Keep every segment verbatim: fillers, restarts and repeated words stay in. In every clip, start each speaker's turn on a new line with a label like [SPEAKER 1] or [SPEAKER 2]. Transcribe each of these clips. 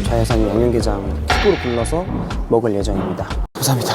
[SPEAKER 1] 자연산 양념게장 킥으로 불러서 먹을 예정입니다. 감사합니다.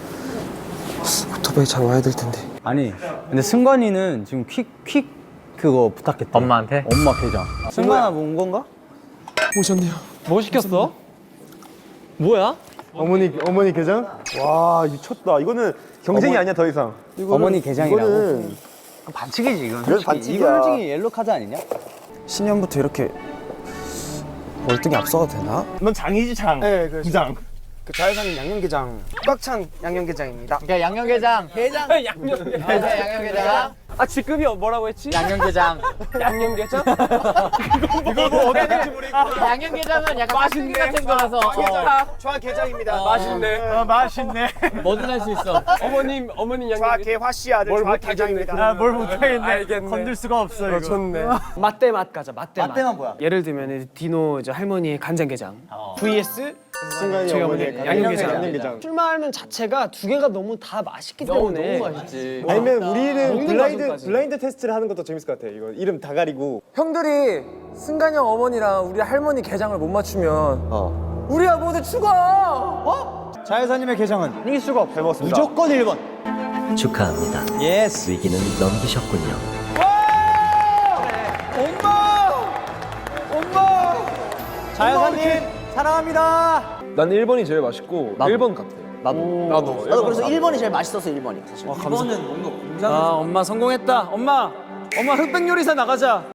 [SPEAKER 1] 오토바이 잘 와야 될 텐데.
[SPEAKER 2] 아니 근데 승관이는 지금 퀵 퀵 그거 부탁했대.
[SPEAKER 3] 엄마한테?
[SPEAKER 2] 엄마 게장. 승관아 뭐 온 건가?
[SPEAKER 1] 오셨네요.
[SPEAKER 3] 뭐 시켰어? 뭐야?
[SPEAKER 4] 어머니 어머니 게장? 와 미쳤다. 이거는 경쟁이
[SPEAKER 2] 어머-
[SPEAKER 4] 아니야 더 이상. 이거는,
[SPEAKER 2] 어머니 게장이라고?
[SPEAKER 4] 이거는
[SPEAKER 2] 반칙이지 이건.
[SPEAKER 4] 그래도 반칙이야.
[SPEAKER 2] 이건 솔직히 옐로 카드 아니냐?
[SPEAKER 1] 신년부터 이렇게 월등히 앞서가도 되나?
[SPEAKER 4] 넌 장이지 장.
[SPEAKER 1] 네, 그
[SPEAKER 4] 부장.
[SPEAKER 1] 그 자연산 양념게장 꽉 찬 양념게장입니다.
[SPEAKER 3] 그러니까 양념게장. 게장. 양념게장. 양념게장.
[SPEAKER 5] 아 직급이 뭐라고 했지?
[SPEAKER 3] 양념게장.
[SPEAKER 5] 양념게장?
[SPEAKER 4] 이거 뭐 어떻게 될지 모르겠고.
[SPEAKER 3] 양념게장은 약간 맛있는 같은 거라서 어,
[SPEAKER 1] 좌게장입니다.
[SPEAKER 5] 맛있네.
[SPEAKER 4] 아 맛있네.
[SPEAKER 3] 뭐든 할 수 있어.
[SPEAKER 5] 어머님 어머님 양념게장.
[SPEAKER 1] 좌개화씨 아들 좌게장입니다.
[SPEAKER 4] 아뭘 못하겠네.
[SPEAKER 5] 알겠네.
[SPEAKER 4] 건들 수가 없어 이거.
[SPEAKER 5] 좋네. 맛대 맛 가자. 맛대 맛.
[SPEAKER 2] 맛대만 뭐야?
[SPEAKER 5] 예를 들면 디노 이제 할머니의 간장게장 vs
[SPEAKER 4] 순간이
[SPEAKER 5] 저희
[SPEAKER 4] 어머니
[SPEAKER 5] 어머니 양념게장.
[SPEAKER 4] 양념게장.
[SPEAKER 5] 출마하는 자체가 두 개가 너무 다 맛있기 때문에
[SPEAKER 3] 너무 맛있지.
[SPEAKER 4] 아니면 우리는
[SPEAKER 5] 먹는
[SPEAKER 4] 블라인드
[SPEAKER 5] 과정까지.
[SPEAKER 4] 블라인드 테스트를 하는 것도 재밌을 것 같아. 이거 이름 다 가리고.
[SPEAKER 6] 형들이 승관이 형 어머니랑 우리 할머니 게장을 못 맞추면
[SPEAKER 4] 어.
[SPEAKER 6] 우리야 모두 죽어! 어?
[SPEAKER 2] 자연사님의 게장은
[SPEAKER 4] 이길 수가 없어. 잘 먹었습니다.
[SPEAKER 2] 무조건 일 번.
[SPEAKER 7] 축하합니다.
[SPEAKER 2] 예스.
[SPEAKER 7] 위기는 넘기셨군요.
[SPEAKER 2] 자연사님 사랑합니다.
[SPEAKER 5] 난 일 번이 제일 맛있고 일 번 같아.
[SPEAKER 2] 나도.
[SPEAKER 5] 나도.
[SPEAKER 1] 나도 그래서 일 번이 제일 맛있어서 일 번이 사실.
[SPEAKER 5] 아 엄마 성공했다. 엄마 엄마 흑백 요리사 나가자.